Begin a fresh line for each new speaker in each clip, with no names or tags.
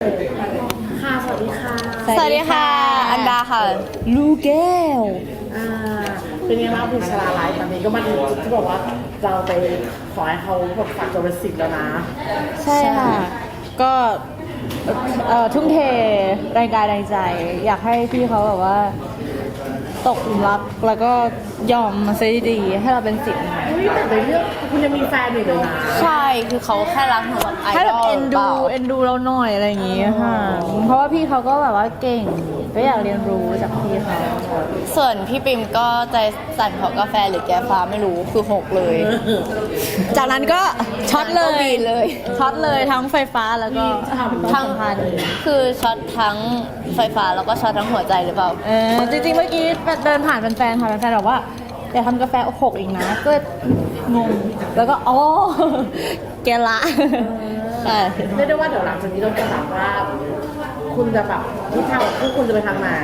ค่ะสวัสดีค่ะ
สวัสดีค่ะ อันดาค่ะ ลูแก้ว
อ่าเป็นไงบ้างคุณชลาไลฟ์ตอนนี้ก็มาถึงจุดที่บอกว่าเราไปขอให้เขาแบบฝากตัวเป็นศิษย์แล้วนะ
ใช่ค่ะ ก็ทุ่มเทแรงกายแรงใจ อยากให้พี่เขาแบบว่า ตกหลุมรักแล้วก็ยอมมาซะดีๆให้เราเป็นศิษย์
เฮ้ยแต่ในเรื่องคุณยังมีแฟนอยู่เลยนะ
ใช่คือเขาแค่รักหนูแบบไอ
ให้
ด
แบบ
อล
เอ็น
เป
ดู
ล่า
เอ็นดูเราหน่อยอะไรอย่างงี้ค่ะ เพราะว่าพี่เขาก็แบบว่าเก่ง ก็อยากเรียนรู้จากพี่เขา
ส่วนพี่ปิมก็ใจสั่นเพราะกาแฟหรือแก้ฟ้าไม่รู้คือหกเลย
จากนั้นก็ช็อตเล
ก็
ย
บีเลย
ช็อตเลยทั้งไฟฟ้าแล้วก็ทั้งพัน
คือช็อตทั้งไฟฟ้าแล้วก็ช็อตทั้งหัวใจหรือเปล่า
จริงๆเมื่อกี้เดินผ่านแฟนๆค่ะแฟนๆบอกว่าอย่าทำกาแฟหกอีกนะก็งงแล้วก็อ๋อแกละใช่
เรียกได้ว่าเดี๋ยวหลังจากนี้เราจะถามว่า คุณจะแบบทิศทางของคู่คุณจะไปทางไหน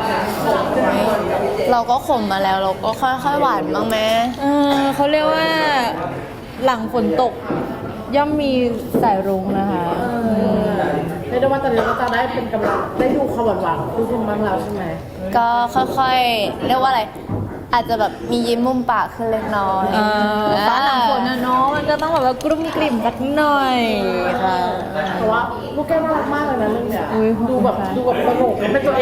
เราก็ขมมาแล้วเราก็ค่อยๆหวานบ้างไหม
เขาเรียกว่าหลังฝนตกย่อมมีสายรุ้งนะคะ
เรียกได้ว่าตอนนี้เราจะได้เป็นกำลังได้ดูความหวานๆของคู่คุณบ้างแล้วใช่ไหม
ก็ค่อยๆเรียกว่าอะไรอาจจะแบบมียิ้มมุมปากขึ้นเล็กน้อย
ฟ้าหลังฝนนะเนาะมันก็ต้องแบบว่ากรุ่มกลิ่มสักหน่อยค่ะ
เพราะว่าลูกแก้วน่ารักมากเลยนะเรื่องเนี้ย
อุ๊ย
ดูแบบสนุกเป็นตัวเอง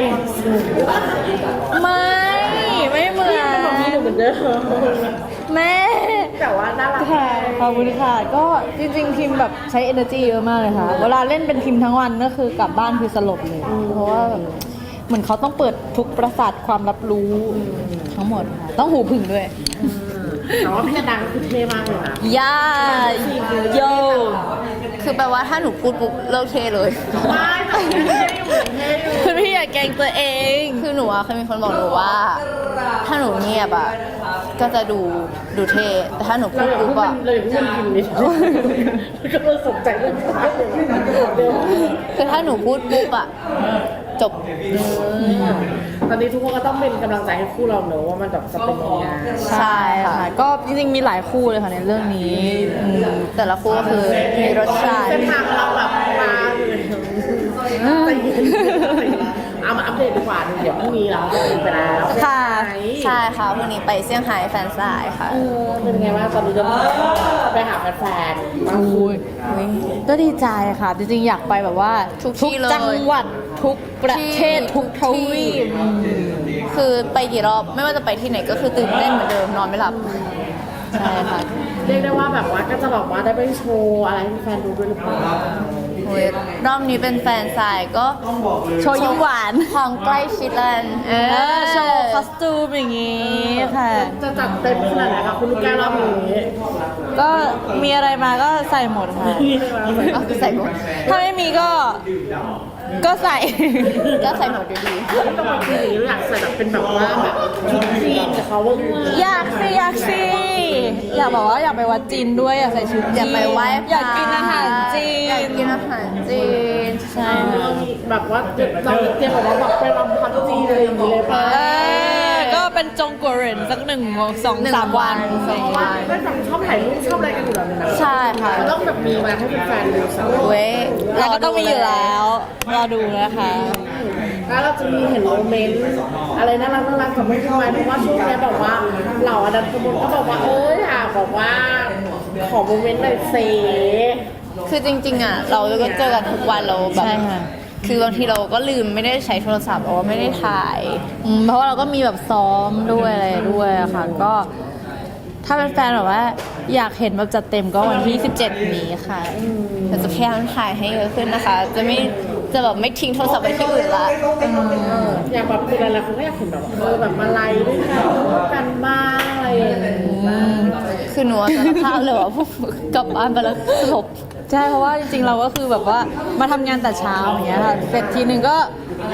ไม่เหมือน
เป็นแบบนี้เหมือนเดิม
แม่
แต่ว่าน่ารัก
ค่ะขอบคุณค่ะก็จริงๆพิมแบบใช้ energy เยอะมากเลยค่ะเวลาเล่นเป็นพิมทั้งวันก็คือกลับบ้านคือสลบเลยเพราะว่าแบบเหมือนเขาต้องเปิดทุกประสาทความรับรู้ทั้งหมดค่ะต้องหูผึ่งด้วย
แต่ว่าพี่ดังคือเท่มากเลยนะ
ย่าโย
คือแปลว่าถ้าหนูพูดปุ๊บเลิกเทเลย
ไม่แต่เท่อยู่เท่อยู่
คุณพี่อย่าแกล้งตัวเอง
คือหนูอะเคยมีคนบอกหนูว่า ถ้าหนูเงียบอะก็จะดูเท่แต่ถ้าหนูพู
เรา
ด
อย่า
ปุ๊
พู
บ
ด
อะ
เราอย่าพูดมันกินนิดก็เลยสนใจเรื่องนี้เร็ว
คือถ้าหนูพูดปุ๊บอะจบ
ตอนนี้ทุกคนก็ต้องเป็นกำลังใจให้คู่เราเนอะว่ามันแบบจะเป็นยังไง
ใช่ค่ะ
ก็จริงๆมีหลายคู่เลยค่ะในเรื่องนี้
แต่ละคู่ก็คือมีรสชาติ
เส้นทางเราแบบมาเลยใจเย็นเอามาอัปเดตดีกว่าเดี๋ยวพรุ่งนี้เราจะไปแล้ว
ค่ะ
ใช่ค่ะวันนี้ไปเซี่ยงไฮ้แฟนสายค่ะ
เป็นไงบ้างตอนนี้จะไปหาแฟนๆมาคุย
ก็ดีใจค่ะ จริงๆอยากไปแบบว่า
ทุกที่เลย
จังหวัดทุกประเทศทุกทวีป
คือไปกี่รอบไม่ว่าจะไปที่ไหนก็คือตื่นเต้นเหมือนเดิมนอนไม่หลับใช่ค่ะ
เรียกได้ว่าแบบว่าก็จะแบบว่าได้ไปโชว์อะไรให้แฟนดูด้วยหรือเปล่า
โอ้ยรอบนี้เป็นแฟนสายก็
โชว์ยิ้มหวาน
ความใกล้ชิดแล้วกัน
โชว์คอสตูมอย่างงี้ค่ะ
จะจัดเต็มขนาดไหนคะคุณลูกแก้วรอบนี้
ก็มีอะไรมาก็ใส่หมดค่ะ
เอาใส่หมด
ถ้าไม่มีก็ใส่
ก็ใส่หมดอยู่ดี
ไม่ต้องมาคืออยากใส่แบบเป็นแบบว่าแบบชุดจีนกับเขาว่า
อยากสิอยากบอกว่าอยากไปวัดจีนด้วยอยากใส่ชุดจีน
อยากไปไหว้พระ
อยากกินอาหารจีน
อยากกินอาหารจีน
ใช่
เรามีแบบว่าเราเตรียมแบบว่าแบบไปรำพันจีนอะไรอย่างเงี้ยเลยป่ะ
ก็เป็นจงกัวเหรินสัก1-2-3 วัน
เพราะว่าได้แบบชอบถ่ายรูปชอบอะไรกันอยู่แล้วเนี่ยนะ
ใช่ค่ะ
มันต้องแบบมีมาให้แฟนๆดูสัก
เว้ย
แล้วก็ต้องมีอยู่แล้วรอดูนะคะ
แล้วเราจะมีเห็นโมเมนต์อะไรน่ารักกับไม่ทำไมเพราะว่าช่วงนี้แบบว่าเหล่าอดัมขมุนก็บอกว่าอยากบอกว่าขอโมเมนต์หน่อยเซ
คือจริงๆอ่ะเราก็เจอกันทุกวันเราแบบ
ใช่ค่ะ
คือบางทีเราก็ลืมไม่ได้ใช้โทรศัพท์เพราะว่าไม่ได้ถ่าย
เพราะว่าเราก็มีแบบซ้อมด้วยอะไรด้วยอะค่ะ ก็ถ้าเป็นแฟนแบบว่าอยากเห็นแบบจัดเต็มก็วันที่ 17 นี้ค่ะ
เราจะพยายามถ่ายให้เยอะขึ้นนะคะ จะแบบไม่ทิ้งโทรศัพท์ไว้ที่อื่นละ
อยากแบบเป็นอะไรคนก็อยากเห็นแบบแบบมาไลฟ์ด้วยกันร่วมกันบ้างอะไรอย่างเงี้ย
คือหนูสารภาพเลยว่าพวกกลับบ้านไปแล้วสลบ
ใช่เพราะว่าจริงๆเราก็คือแบบว่ามาทำงานแต่เช้าอย่างเงี้ยค่ะเสร็จทีนึงก็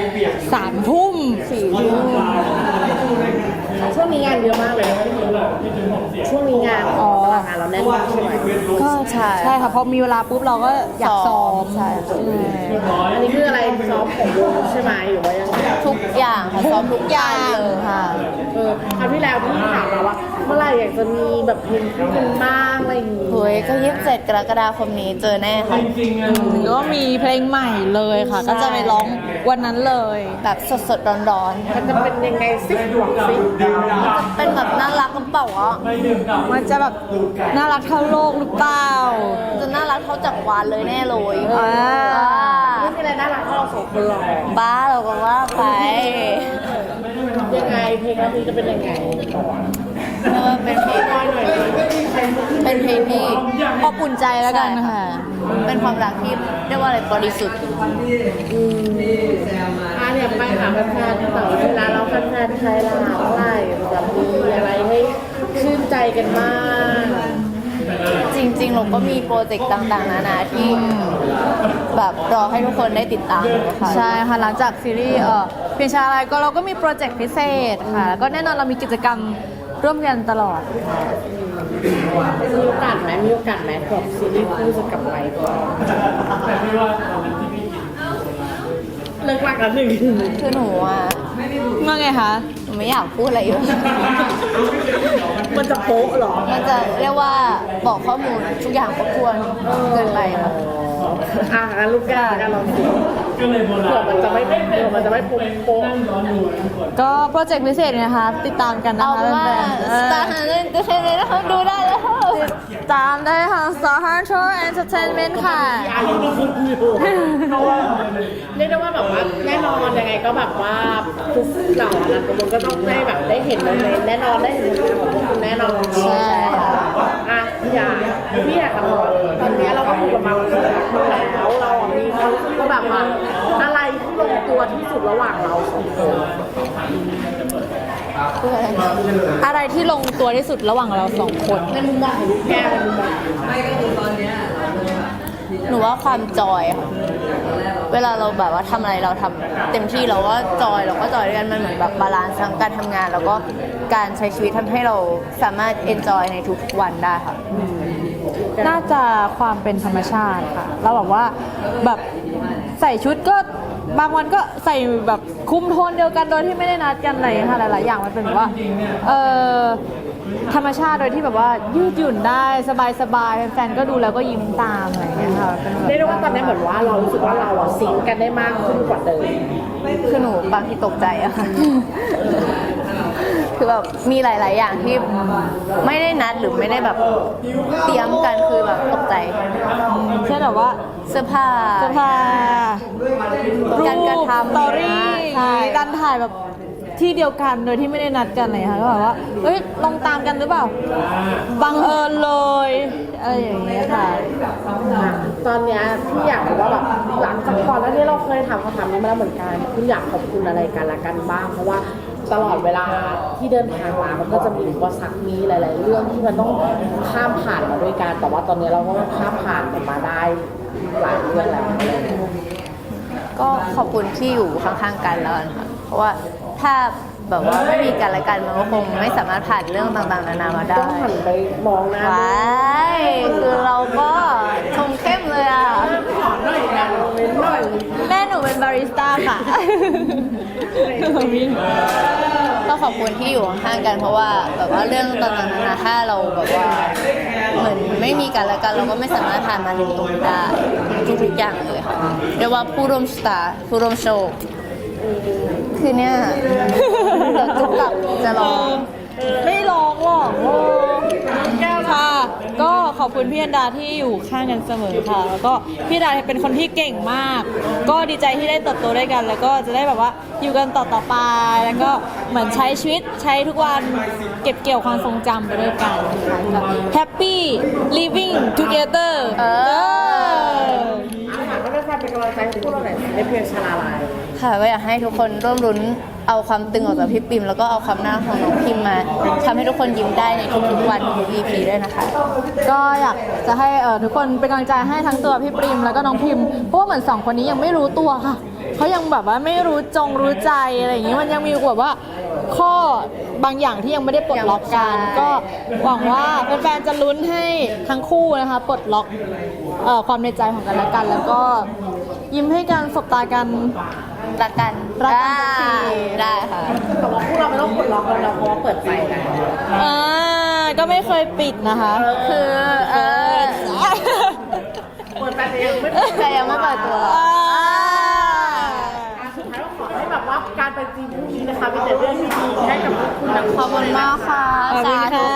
3 ทุ่ม4 ทุ่ม
ช่วงนี้งานเยอะมากเลยช่วงนี้งานเราแน่นมากใช่ไหม
ก็ใช่ค่ะพอมีเวลาปุ๊บเราก็อยากซ้อม
ใช่
อันนี้คืออะไรซ้อมของวงใช่ไหมหรือว่ายังไง
ทุกอย่างค่ะซ้อมทุกอย่างเลย
ค่ะ
คราวที่แล้วพี่ถามมาว่าเมื่อไหร่อยากจะมีแบบเพลงคู่กันบ้างอะไรอย่างงี้
เฮ้ยก็27 กรกฎาคมนี้เจอแน่ค่ะ
ก็มีเพลงใหม่เลยค่ะ
ใช่
ก็จะไปร้องวันนั้นเลย
แบบสดๆร้อน
มันจะเป็นยังไงซิบอกซิ
ๆเป็นแบบน่ารักกันเปล่าอ่ะ
มันจะแบบน่ารักเท่าโลกหรือเปล่า
จะน่ารักเท่าจักรวาลเลยแน่เลย
อ่า
ไม่มีอะไรน่ารักเท่าเราสองคนหรอก
บ้าเราก็ว่าไป
ยังไงเพลงนี้จะเป็นยังไง
เออเป็นเพลงเป็นเพลงที่
อบอุ่นใจแล้วกันค่ะ
เป็นความรักที่เรียกว่าอะไรบริสุทธิ์
เนี่ยไปหาแฟนๆแต่เวลาเราแฟนๆใครล่ะเมื่อไหร่แบบมีอะไรให้ชื่นใจกันบ้าง
จริงๆเราก็มีโปรเจกต์ต่างๆนานาที่แบบรอให้ทุกคนได้ติดตามนะคะ
ใช่ค่ะหลังจากซีรีส์เพียงชาอะไรก็เราก็มีโปรเจกต์พิเศษค่ะแล้วก็แน่นอนเรามีกิจกรรมร่วมกันตลอด
มีโอกาสไหมแบบซีรีส์คู่จะกลับไปก่อนเลิกรักแล้วหนึ่ง
คือหนูอ่ะ
ว่าไงคะ
หนูไม่อยากพูดอะไรอยู่
มันจะโป๊ะเหรอ
มันจะเรียกว่าบอกข้อมูลทุกอย่างครบถ้วนเกินไปค่ะ
งั้นลูกแก้วกันลองดูเผื่อมันจะไม่โป๊ะ
ก็โปรเจกต์พิเศษนะคะ ติดตามกันนะ
เอา
คะ
เป็นว่า
แฟน
สตาร์ฮันเตอร์เทนเมนต์นะคะดูได้แล้ว
ๆตามได้ทาง Star Hunter Entertainment ค่ะ
เรียกได้ว่าแบบว่าแน่นอนยังไงก็แบบว่าทุกเหล่านะทุกคนก็ต้องได้แบบได้เห็นโมเมนต์แน่นอนได้เห็นผลงานของพวกคุณแน่นอน
ใช่ค่ะ
พี่อยากถามว่าตอนนี้เราก็คุยกันมาแล้วเรามีความรู้สึกว่าแบบว่าอะไรที่ลงตัวที่สุดระหว่างเราสองคน
อะไรที่ลงตัวที่สุดระหว่างเราสองคน
ในมุมมองของลูกแก้วในมุมมอง
หนูว่าความจอยค่ะ เวลาเราแบบว่าทำอะไรเราทำเต็มที่เราก็จอยด้วยกันมันเหมือนแบบบาลานซ์ทั้งการทำงาน แล้วก็การใช้ชีวิตทำให้เราสามารถเอนจอยในทุกๆวันได้ค่ะ
น่าจะความเป็นธรรมชาติค่ะ เราแบบว่าแบบใส่ชุดก็บางวันก็ใส่แบบคุมโทนเดียวกันโดยที่ไม่ได้นัดกันอะไรอย่างเงี้ยค่ะหลายๆอย่างมันเป็นแบบว่าธรรมชาติโดยที่แบบว่ายืดหยุ่นได้สบายๆแฟนๆก็ดูแล้วก็ยิ้มตามอะไรอย่างเงี้ยค่ะเป็นแบบ
เรียกได้ว่าตอนนี้เหมือนว่าเรารู้สึกว่าเราอะซิงค์กันได้มากขึ้นกว่าเดิม
คือหนูบางทีตกใจอะค่ะ คือแบบมีหลาย ๆ อย่างที่ไม่ได้นัดหรือไม่ได้แบบเตรียมกันคือแบบตกใจ
เช่นแบบว่า
เสื้อผ้า
เสื้อผ้ารู
การกระ
ป
ทำ
สตอรี่
ใช่
การถ่ายแบบที่เดียวกันโดยที่ไม่ได้นัดกันเลยค่ะก็แบบว่าเฮ้ยลองตามกันหรือเปล่าบังเอิญเลยอะไรอย่างเงี้ยค่ะ
ตอนเนี้ยพี่อยากรู้ว่าแบบหลังจากก่อนแล้วนี่เราเคยถามคำถามนี้มาแล้วเหมือนกันคุณอยากขอบคุณอะไรกันละกันบ้างเพราะว่าตลอดเวลาที่เดินทางมามันก็จะมีอุปสรรคมีหลาย ๆ เรื่องที่มันต้องข้ามผ่านมาด้วยกันแต่ว่าตอนนี้เราก็ข้ามผ่านมันมาได้หลายเรื่องแล้ว
ก็ขอบคุณที่อยู่ข้าง ๆ กันแล้วกันค่ะ เพราะว่าถ้าแบบว่าไม่มีกันและกันมันก็คงไม่สามารถผ่านเรื่องต่าง ๆ นานามาได้
ต้องหันไปมองหน้า
ว้ายคือเราก็ชงเข้มเลยอ่ะ
ขอหน่อยนะเว้นหน่อย
แม่หนูเป็นบาริสต้าค่ะ ก็ขอบคุณที่อยู่ข้างๆกันเพราะว่าแบบว่าเรื่องต่างๆนานาถ้าเราแบบว่าเหมือนไม่มีกันและกันเราก็ไม่สามารถผ่านมาถึงตรงนี้ได้ทุกๆอย่างเลยค่ะเรียกว่าผู้ร่วมสตาร์ผู้ร่วมโชว์คือเนี่ยเดี๋ยวจุกกลับจะร้อง
ไม่ร้องหรอกโอ้แก้วค่ะ ก็ขอบคุณพี่อันดาที่อยู่ข้างกันเสมอค่ะ แล้วก็พี่อันดาเป็นคนที่เก่งมาก ก็ดีใจที่ได้เติบโตด้วยกัน แล้วก็จะได้แบบว่าอยู่กันต่อไป แล้วก็เหมือนใช้ชีวิตใช้ทุกวันเก็บเกี่ยวความทรงจำไปด้วยกันค่ะ Happy living together
ถามว่าได้ความเป็นกำลังใจให้พวกเราหน่อยในเพลงชาลาลาย
ค่ะก็อยากให้ทุกคนร่วมรุ้นเอาความตึงออกจากพี่ปิมแล้วก็เอาความน่ารักของน้องพิมมาทำให้ทุกคนยิ้มได้ในทุกๆวันทุก EP ด้วยนะคะ
ก็อยากจะให้ทุกคนเป็นกำลังใจให้ทั้งตัวพี่ปริมแล้วก็น้องพิมพ์เพราะว่าเหมือนสองคนนี้ยังไม่รู้ตัวค่ะเขายังแบบว่าไม่รู้ใจอะไรอย่างนี้มันยังมีแบบว่าข้อบางอย่างที่ยังไม่ได้ปลดล็อกกัน
ใช่
ก็หวังว่าแฟนๆจะลุ้นให้ทั้งคู่นะคะปลดล็อกความในใจของกันและกัน แล้วก็ยิ้มให้กันสบตากัน
รักกัน
รักกันสักที
ได้ค่ะ
แต่ว่าพวกเราไม่ต้องปลดล็อกแล้วนะเพราะว่าเปิดใจกัน
อ่าก็ไม่เคยปิดนะคะ
คือ
เปิดแต่ยังไม่
แต่ยังไม่เปิดตัว
สุดท้ายก็ขอให้แบบว่าการไปจีนพรุ่งนี้นะคะมีแต่เรื่องดีๆให้กับทุกคนนะ
ขอบคุณมากค่ะ
ขอบคุณ
สาธุ
ค่ะ